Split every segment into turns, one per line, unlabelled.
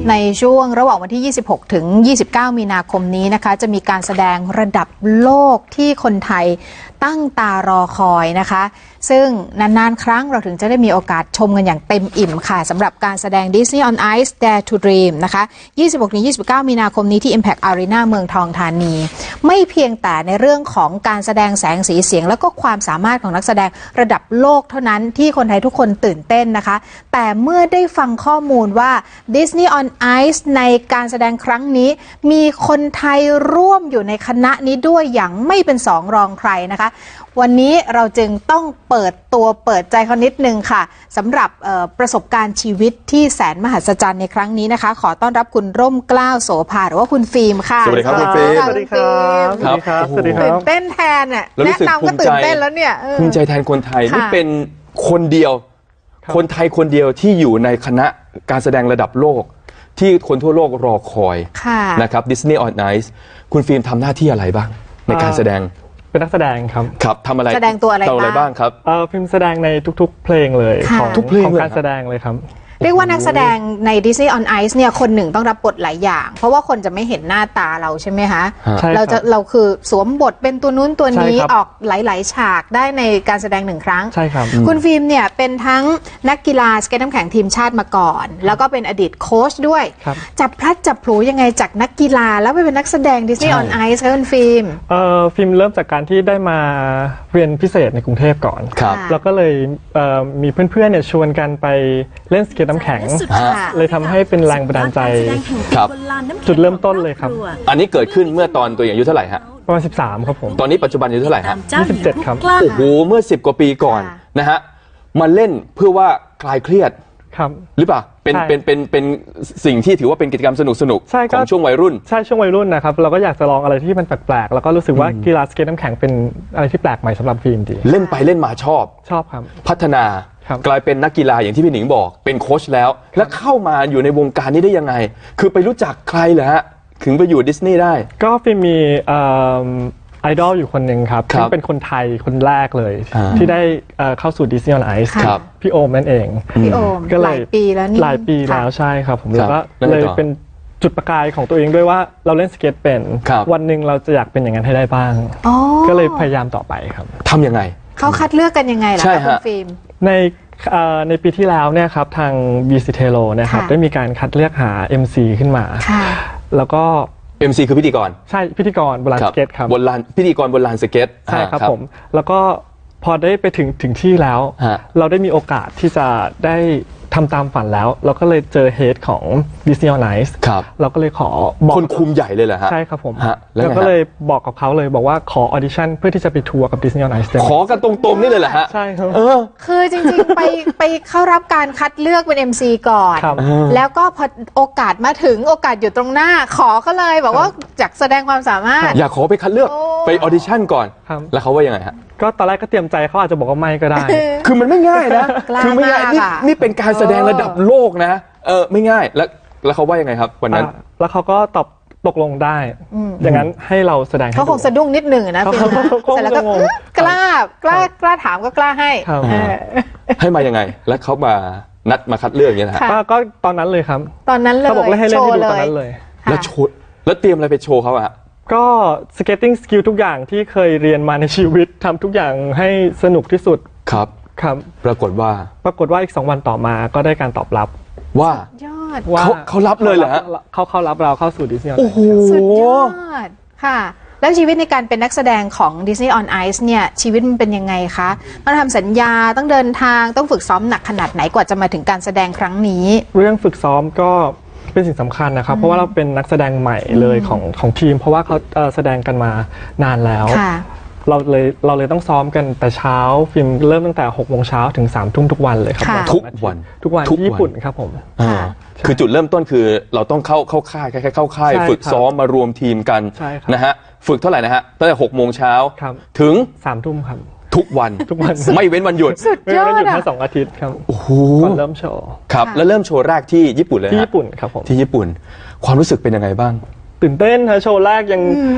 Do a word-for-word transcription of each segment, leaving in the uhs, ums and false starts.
ในช่วงระหว่างวันที่ ยี่สิบหก ถึง ยี่สิบเก้า มีนาคมนี้นะคะจะมีการแสดงระดับโลกที่คนไทยตั้งตารอคอยนะคะซึ่งนานๆครั้งเราถึงจะได้มีโอกาสชมกันอย่างเต็มอิ่มค่ะสำหรับการแสดง Disney on Ice Dare to Dream นะคะ ยี่สิบหก ถึง ยี่สิบเก้า มีนาคมนี้ที่ Impact Arena เมืองทองธานีไม่เพียงแต่ในเรื่องของการแสดงแสงสีเสียงแล้วก็ความสามารถของนักแสดงระดับโลกเท่านั้นที่คนไทยทุกคนตื่นเต้นนะคะแต่เมื่อได้ฟังข้อมูลว่า Disney on Ice ในการแสดงครั้งนี้มีคนไทยร่วมอยู่ในคณะนี้ด้วยอย่างไม่เป็นสองรองใครนะคะวันนี้เราจึงต้องเปิดตัวเปิดใจเขานิดนึงค่ะสำหรับประสบการณ์ชีวิตที่แสนมหัศจรรย์ในครั้งนี้นะคะขอต้อนรับคุณร่มเกล้าโสภาหรือว่าคุณฟิล์มค่ะ
สวัสดีครับคุณฟิล์ม
สวัสดีครับ
สวัสดีครับสวัสดีครับ
ตื่นเต้นแทนอ่ะแนะนำก็ตื่นเต้นแล้วเนี่ย
ภูมิใจแทนคนไทยนี่เป็นคนเดียวคนไทยคนเดียวที่อยู่ในคณะการแสดงระดับโลกที่คนทั่วโลกรอคอยนะครับ Disney on Ice คุณฟิล์มทำหน้าที่อะไรบ้างในการแสดง
เป็นนักแสดงครับ
ครับทำอะไร
แสดงตัวอะไร
บ้างครับ
เออพิมพ์แสดงในทุกๆเพลงเลยของ
ทุกเพลง
ของการแสดงเลยครับ
เรียกว่านักแสดงใน Disney on Ice เนี่ยคนหนึ่งต้องรับบทหลายอย่างเพราะว่าคนจะไม่เห็นหน้าตาเราใช่ไหมคะเราจะเราคือสวมบทเป็นตัวนู้นตัวนี้ออกหลายๆฉากได้ในการแสดงหนึ่งครั้ง
ใช่ครับ
คุณฟิล์มเนี่ยเป็นทั้งนักกีฬาสเก็ตน้ำแข็งทีมชาติมาก่อนแล้วก็เป็นอดีตโค้ชด้วยจับพลัดจับผลูยังไงจากนักกีฬาแล้วไปเป็นนักแสดง Disney on Ice คะคุณฟิล์ม
เอ่อฟิล์มเริ่มจากการที่ได้มาเรียนพิเศษในกรุงเทพก่อนแล้วก็เลยมีเพื่อนๆเนี่ยชวนกันไปเล่นสเก็ตน้ำแข็งเลยทำให้เป็นแรงบันดาลใจ
ครับ
จุดเริ่มต้นเลยครับ
อันนี้เกิดขึ้นเมื่อตอนตัวอย่างอายุเท่าไหร่ฮะ
ประมาณสิบสามครับผม
ตอนนี้ปัจจุบันอายุเท่าไหร่ฮะ
ยี่สิบเจ็ดครับ
โอ้โหเมื่อสิบกว่าปีก่อนนะฮะมาเล่นเพื่อว่าคลายเครียด
ครับ
หรือเปล่าเป็นเป็นเป็นเป็นสิ่งที่ถือว่าเป็นกิจกรรมสนุกสนุกของช่วงวัยรุ่น
ใช่ช่วงวัยรุ่นนะครับเราก็อยากจะลองอะไรที่มันแปลกๆแล้วก็รู้สึกว่ากีฬาสเก็ตน้ำแข็งเป็นอะไรที่แปลกใหม่สำหรับฟิล์มดี
เล่นไปเล่นมาชอบ
ชอบครับ
พัฒนากลายเป็นนักกีฬาอย่างที่พี่หนิงบอกเป็นโค้ชแล้วแล้วเข้ามาอยู่ในวงการนี้ได้ยังไงคือไปรู้จักใครเหรอฮะถึงไปอยู่ดิสนีย์ได้
ก็ฟิล์มมีไอดอลอยู่คนหนึ่งครับที่เป็นคนไทยคนแรกเลยที่ได้เข้าสู่ Disney on Ice พี่โอมนั่นเอง
พี่โอมหลายปีแล้วนี่
หลายปีแล้วใช่ครับผมแล้วก็เลยเป็นจุดประกายของตัวเองด้วยว่าเราเล่นสเก็ตเป็นวันหนึ่งเราจะอยากเป็นอย่างนั้นให้ได้บ้างก็เลยพยายามต่อไปครับ
ทำยังไง
เขาคัดเลือกกันยังไงล่ะคุณฟิล์ม
ในในปีที่แล้วเนี่ยครับทาง บี ซี Telo นะครับได้มีการคัดเลือกหา เอ็ม ซี ขึ้นมาแล้วก็
เอ็ม ซี คือพิธีกร
ใช่พิธีกรบนลานสเก็ตครับ
บนลานพิธีกรบนลานสเก็ต
ใช่ครับผมแล้วก็พอได้ไปถึงถึงที่แล้วเราได้มีโอกาสที่จะได้ทำตามฝันแล้วเราก็เลยเจอเฮดของ Disney on Ice เราก็เลยขอ
บอกคนคุมใหญ่เลยเหรอฮะ
ใช่ครับผมแล้วก็เลยบอกกับเขาเลยบอกว่าขอออดิชั่นเพื่อที่จะไปทัวร์กับ Disney on Ice
ขอกันตรงๆนี่เลยเหรอฮะ
ใช่ครับ
คือจริงๆไปไปเข้ารับการคัดเลือกเป็น เอ็ม ซี ก่อนแล้วก็พอโอกาสมาถึงโอกาสอยู่ตรงหน้าขอก็เลยบอกว่าอยากแสดงความสามารถ
อยากขอไปคัดเลือกไปออดิชั่นก่อนแล้วเขาว่ายังไงฮะ
ก็ตอนแรกก็เตรียมใจเขาอาจจะบอกว่าไม่ก็ได้
คือมันไม่ง่ายนะคือไม่ง่ายนี่นี่เป็นการแสดงระดับโลกนะเออไม่ง่ายแล้วแล้วเขาว่ายังไงครับวันนั้น
แล้วเขาก็ตอบตกลงได้อย่างนั้นให้เราแสดง
เขาคงสะดุ้งนิดหนึ่งนะเสร็จแล้วก็กล้ากล้ากล้าถามก็กล้าให้
ให้มายังไงแล้วเขามานัดมาคัดเลือกอย่างนี้นะ
ก็ตอนนั้นเลยครับ
ตอนนั้นเลย
เขาบอกให้เล่นให้ดูตอนนั้นเลย
แล้วโชว์แล้วเตรียมอะไรไปโชว์เขาอะ
ก็สเก็ตติ้งสกิลทุกอย่างที่เคยเรียนมาในชีวิตทำทุกอย่างให้สนุกที่สุด
ครับ
ครับ
ปรากฏว่า
ปรากฏว่าอีกสองวันต่อมาก็ได้การตอบรับ
ว่าย
อด
เขาเขารับเลยเหรอฮะ
เขาเขารับเราเข้าสู่ดิสนีย์
โอ้โห
สุดยอดค่ะแล้วชีวิตในการเป็นนักแสดงของ Disney on Ice เนี่ยชีวิตมันเป็นยังไงคะต้องทำสัญญาต้องเดินทางต้องฝึกซ้อมหนักขนาดไหนกว่าจะมาถึงการแสดงครั้งนี้
เรื่องฝึกซ้อมก็เป็นสิ่งสำคัญนะครับเพราะว่าเราเป็นนักแสดงใหม่เลยของของทีมเพราะว่าเขาแสดงกันมานานแล้วเราเลยเราเลยต้องซ้อมกันแต่เช้าฟิล์มเริ่มตั้งแต่หกโมงเช้าถึงสามทุ่มทุกวันเลยครับ
ทุกวัน
ทุกวันที่ญี่ปุ่นครับผม
คือจุดเริ่มต้นคือเราต้องเข้าเข้าค่ายแค่เข้าค่ายฝึกซ้อมมารวมทีมกันนะฮะฝึกเท่าไหร่นะฮะตั้งแต่หกโมงเช้าถึง
สามทุ่มครับ
ทุกวัน
ทุกวัน
ไม่เว้นวันหยุด
ไม่เว้นวันหยุด
แค่สองอาทิตย์ครับ
โอ้โห
ก่อนเริ่มโชว์
ครับแล้วเริ่มโชว์แรกที่ญี่ปุ่นเลย
ที่ญี่ปุ่นครับผม
ที่ญี่ปุ่นความรู้สึกเป็นยังไงบ้าง
ตื่นเต้นฮะโชว์แรกยัง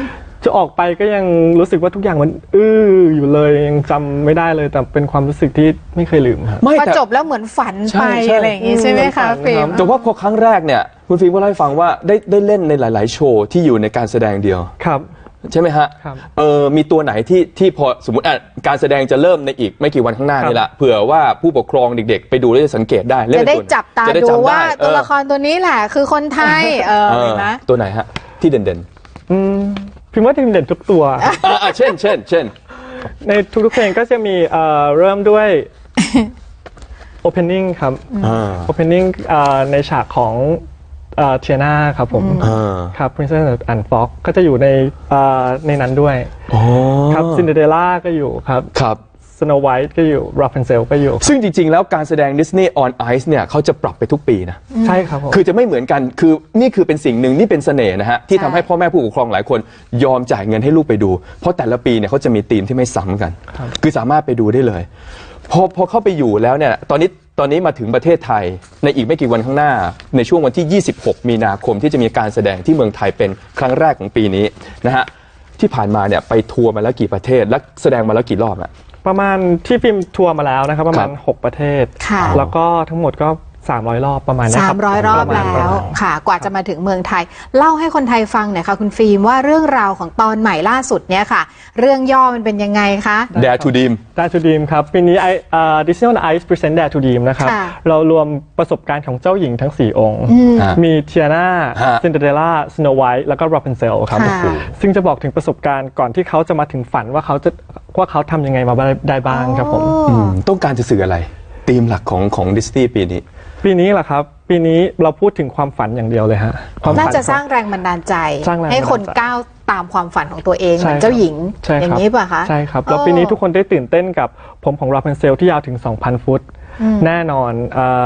จะออกไปก็ยังรู้สึกว่าทุกอย่างมันอื้ออยู่เลยยังจำไม่ได้เลยแต่เป็นความรู้สึกที่ไม่เคยลืมครับ
พอจบแล้วเหมือนฝันไปอะไรอย่างงี้ใช่ไหมคะฟิล์ม
แต่ว่าพอครั้งแรกเนี่ยคุณฟิล์มก็เล่าให้ฟังว่าได้ได้เล่นในหลายๆโชว์ที่อยู่ในการแสดงเดียว
ครับ
ใช่ไหมฮะเออมีตัวไหนที่ที่พอสมมติอ่ะการแสดงจะเริ่มในอีกไม่กี่วันข้างหน้านี่แหละเผื่อว่าผู้ปกครองเด็กๆไปดูแล้วจะสังเกตได้
จะได้จับตาดูว่าตัวละครตัวนี้แหละคือคนไทยเออเห็นไหม
ตัวไหนฮะที่เด่น
ๆอืมพิมพ์ว่าทีมเด่นทุกตัว
อ่าเช่นเช่นเช่น
ในทุกๆเพลงก็จะมีเอ่อเริ่มด้วย opening ครับ opening ในฉากของเทียนาครับผมครับ Princess and Frog ก็จะอยู่ในในนั้นด้วยครับ Cinderella ก็อยู่ครับ
ครับ
Snow White ก็อยู่ Rapunzel ก็อยู่
ซึ่งจริงๆแล้วการแสดง Disney on Ice เนี่ยเขาจะปรับไปทุกปีนะ
ใช่ครับผม
คือจะไม่เหมือนกันคือนี่คือเป็นสิ่งหนึ่งนี่เป็นเสน่ห์นะฮะที่ทำให้พ่อแม่ผู้ปกครองหลายคนยอมจ่ายเงินให้ลูกไปดูเพราะแต่ละปีเนี่ยเขาจะมีธีมที่ไม่ซ้ำกันคือสามารถไปดูได้เลยพอพอเข้าไปอยู่แล้วเนี่ยตอนนี้ตอนนี้มาถึงประเทศไทยในอีกไม่กี่วันข้างหน้าในช่วงวันที่ยี่สิบหกมีนาคมที่จะมีการแสดงที่เมืองไทยเป็นครั้งแรกของปีนี้นะฮะที่ผ่านมาเนี่ยไปทัวร์มาแล้วกี่ประเทศและแสดงมาแล้วกี่รอบอะ
ประมาณที่ฟิล์มทัวร์มาแล้วนะครับประมาณหกประเทศแล้วก็ทั้งหมดก็สามร้อยรอบประมาณนี้ครับ
สามร้อยรอบแล้วค่ะกว่าจะมาถึงเมืองไทยเล่าให้คนไทยฟังหน่อยค่ะคุณฟิล์มว่าเรื่องราวของตอนใหม่ล่าสุดเนี่ยค่ะเรื่องย่อมันเป็นยังไงคะ
Dare to Dream
Dare to Dream ครับปีนี้ Disney on Ice Present Dare to Dream นะครับเรารวมประสบการณ์ของเจ้าหญิงทั้งสี่องค์มีเทียนาซินเดอเรลล่าสโนว์ไวท์แล้วก็ Rapunzel ครับซึ่งจะบอกถึงประสบการณ์ก่อนที่เขาจะมาถึงฝันว่าเขาจะว่าเขาทำยังไงมาได้บ้างครับผม
ต้องการจะสื่ออะไรธีมหลักของของดิสนีย์ปีนี้
ปีนี้แหละครับปีนี้เราพูดถึงความฝันอย่างเดียวเลยฮะ
น่าจะสร้างแรงบันดาลใจให้คนก้าวตามความฝันของตัวเองเหมือนเจ้าหญิงอย่างนี้ป่ะคะ
ใช่ครับแล้วปีนี้ทุกคนได้ตื่นเต้นกับผมของ Rapunzel ที่ยาวถึง สองพัน ฟุตแน่นอน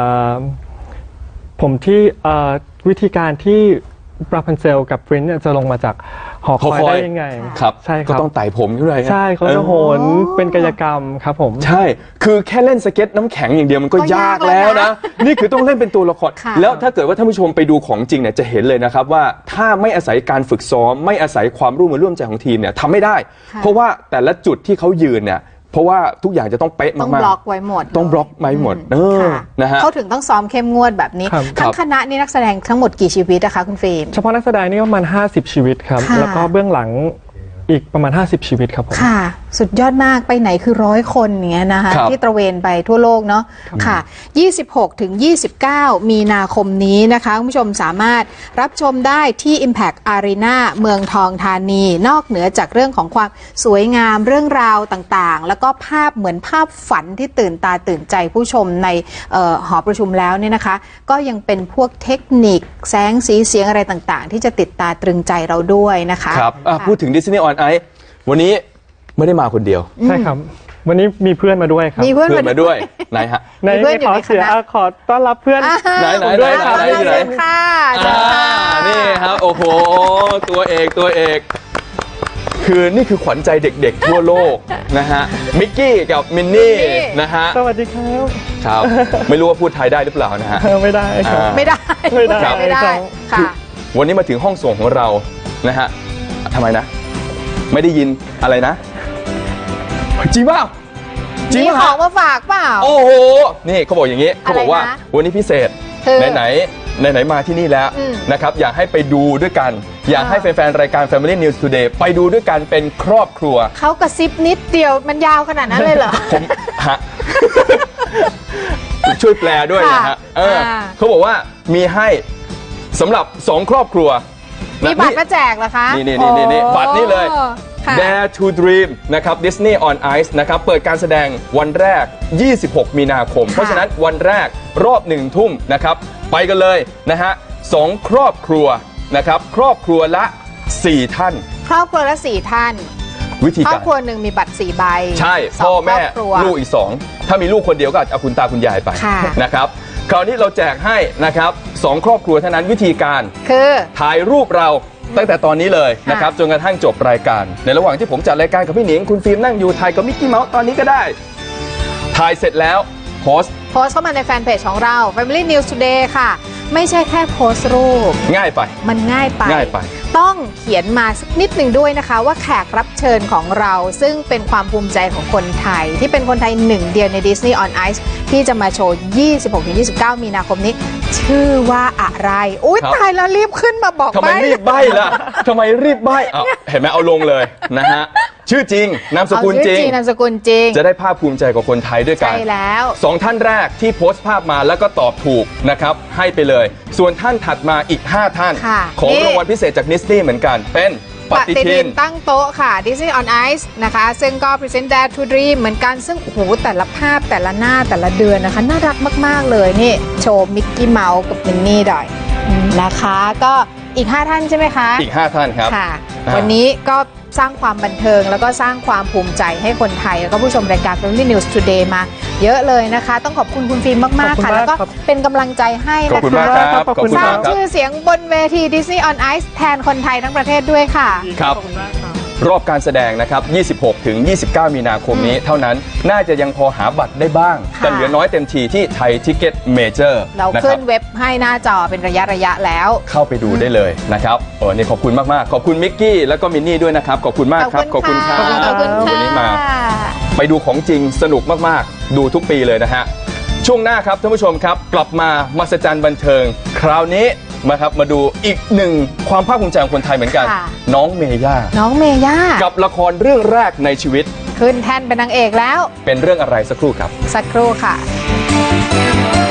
ผมที่วิธีการที่ Rapunzel กับ Prince จะลงมาจากหอคอยได้ยังไง
ครับใช่ครับก็ต้องไต่ผมขึ้นไป
ใช่เขาจะโหนเป็นกายกรรมครับผม
ใช่คือแค่เล่นสเก็ตน้ำแข็งอย่างเดียวมันก็ยากแล้วนะนี่คือต้องเล่นเป็นตัวละครแล้วถ้าเกิดว่าท่านผู้ชมไปดูของจริงเนี่ยจะเห็นเลยนะครับว่าถ้าไม่อาศัยการฝึกซ้อมไม่อาศัยความร่วมมือร่วมใจของทีมเนี่ยทำไม่ได้เพราะว่าแต่ละจุดที่เขายืนเนี่ยเพราะว่าทุกอย่างจะต้องเป๊ะมากๆ
ต้องบล็อกไว้หมด
ต้องบล็อกไว้หมดเออนะฮะ
เขาถึงต้องซ้อมเข้มงวดแบบนี้ทั้งคณะนี่นักแสดงทั้งหมดกี่ชีวิตนะคะคุณฟิล์ม
เฉพาะนักแสดงนี่ประมาณห้าสิบชีวิตครับแล้วก็เบื้องหลังอีกประมาณห้าสิบชีวิตครับผม
ค่ะสุดยอดมากไปไหนคือร้อยคนอย่างเงี้ยนะคะที่ตระเวนไปทั่วโลกเนาะค่ะยี่สิบหกถึงยี่สิบเก้ามีนาคมนี้นะคะคุณผู้ชมสามารถรับชมได้ที่ Impact Arena เมืองทองธานีนอกเหนือจากเรื่องของความสวยงามเรื่องราวต่างๆแล้วก็ภาพเหมือนภาพฝันที่ตื่นตาตื่นใจผู้ชมในหอประชุมแล้วเนี่ยนะคะก็ยังเป็นพวกเทคนิคแสงสีเสียงอะไรต่างๆที่จะติดตาตรึงใจเราด้วยนะคะ
ครับพูดถึง Disney on Ice วันนี้ไม่ได้มาคนเดียว
ใช่ครับวันนี้มีเพื่อนมาด้วยครับ
มีเพื่อน
มาด้วยไหนฮะ
ในขอเสียขอต้อนรับเพื่อน
ไหนไหน
ด้วย
ครับ
ไหนค่ะ
นี่ครับโอ้โหตัวเอกตัวเอกคือนี่คือขวัญใจเด็กๆทั่วโลกนะฮะมิกกี้กับมินนี่นะฮะ
สวัสดีครับ
ครับไม่รู้ว่าพูดไทยได้หรือเปล่านะฮะ
ไม่ได้ครับ
ไม่ได้
ไม่ได้
ไม่ได้ค่ะ
วันนี้มาถึงห้องส่งของเรานะฮะทำไมนะไม่ได้ยินอะไรนะจริงเปล่า
จริงของมาฝากเปล่า
โอ้โหนี่เขาบอกอย่างนี้เขาบอกว่าวันนี้พิเศษไหนไหนไหนไหนมาที่นี่แล้วนะครับอยากให้ไปดูด้วยกันอยากให้แฟนๆรายการ Family News Today ไปดูด้วยกันเป็นครอบครัว
เขากระซิบนิดเดียวมันยาวขนาดนั้นเลยเหรอ
ผมฮะช่วยแปลด้วยนะฮะเออเขาบอกว่ามีให้สำหรับสองครอบครัว
มีบัตรมาแจกเหรอคะ
นี่นี่นี่นี่บัตรนี่เลย Dare to Dream นะครับ Disney on Ice นะครับเปิดการแสดงวันแรกยี่สิบหกมีนาคมเพราะฉะนั้นวันแรกรอบหนึ่งทุ่มนะครับไปกันเลยนะฮะสองครอบครัวนะครับครอบครัวละสี่ท่าน
ครอบครัวละสี่ท่าน
วิธีการ
ครอบครัวหนึ่งมีบัตรสี่ใบ
ใช่พ่อแม่ลูกอีกสองถ้ามีลูกคนเดียวก็เอาคุณตาคุณยายไปนะครับคราวนี้เราแจกให้นะครับสองครอบครัวเท่านั้นวิธีการ
คือ
ถ่ายรูปเราตั้งแต่ตอนนี้เลยนะครับจนกระทั่งจบรายการในระหว่างที่ผมจัดรายการกับพี่หนิงคุณฟิล์มนั่งอยู่ถ่ายกับมิกกี้เมาส์ตอนนี้ก็ได้ถ่ายเสร็จแล้วโพสต์
โพสต์เข้ามาในแฟนเพจของเรา Family News Today ค่ะไม่ใช่แค่โพสต์รูป
ง่ายไป
มันง่ายไป
ง่ายไป
ต้องเขียนมาสักนิดหนึ่งด้วยนะคะว่าแขกรับเชิญของเราซึ่งเป็นความภูมิใจของคนไทยที่เป็นคนไทยหนึ่งเดียวใน Disney on Ice ที่จะมาโชว์ ยี่สิบหกถึงยี่สิบเก้า มีนาคมนี้ชื่อว่าอะไรอุ้ยตายแล้วรีบขึ้นมาบอก
ทำไมรีบใบ้ล่ะทำไมรีบใบ้เอาเห็นไหมเอาลงเลยนะฮะชื่อจริงนามสกุลจริง
นามสกุลจริง
จะได้ภาคภูมิใจกับคนไทยด้วยกัน
ใช่แล้ว
สองท่านแรกที่โพสต์ภาพมาแล้วก็ตอบถูกนะครับให้ไปเลยส่วนท่านถัดมาอีกห้าท่านของรางวัลพิเศษจากดิสนีย์เหมือนกันเป็นปฏิทิน
ตั้งโต๊ะค่ะ Disney on Ice นะคะซึ่งก็ Present Dare to Dream เหมือนกันซึ่งโอ้โหแต่ละภาพแต่ละหน้าแต่ละเดือนนะคะน่ารักมากๆเลยนี่โชว์มิกกี้เมาส์กับมินนี่ดอยนะคะก็อีกห้าท่านใช่ไหมคะ
อีกห้าท่านครับ
ค่ะวันนี้ก็สร้างความบันเทิงแล้วก็สร้างความภูมิใจให้คนไทยแล้วก็ผู้ชมรายการ Family News Today มาเยอะเลยนะคะต้องขอบคุณคุณฟิล์มมากๆค่ะแล้วก็เป็นกำลังใจให้นะคะ
ขอบคุณมากครับขอบคุณ
สร้าง
ครับ
ชื่อเสียงบนเวที Disney on Ice แทนคนไทยทั้งประเทศด้วยค่ะ
ครับรอบการแสดงนะครับยี่สิบหกถึงยี่สิบเก้ามีนาคมนี้เท่านั้นน่าจะยังพอหาบัตรได้บ้างแต่เหลือน้อยเต็มทีที่ไทยทิกเก็ตเมเจอร์
เราขึ้นเว็บให้หน้าจอเป็นระยะระยะแล้ว
เข้าไปดูได้เลยนะครับเออนี่ขอบคุณมากๆขอบคุณมิกกี้แล้วก็มินนี่ด้วยนะครับขอบคุณมากครับขอบคุณครับวันนี้มาไปดูของจริงสนุกมากๆดูทุกปีเลยนะฮะช่วงหน้าครับท่านผู้ชมครับกลับมามหัศจรรย์บันเทิงคราวนี้มาครับมาดูอีกหนึ่งความภาคภูมิใจของคนไทยเหมือนกันน้องเมย่า
น้องเมย่า
กับละครเรื่องแรกในชีวิต
ขึ้นแท่นเป็นนางเอกแล้ว
เป็นเรื่องอะไรสักครู่ครับ
สักครู่ค่ะ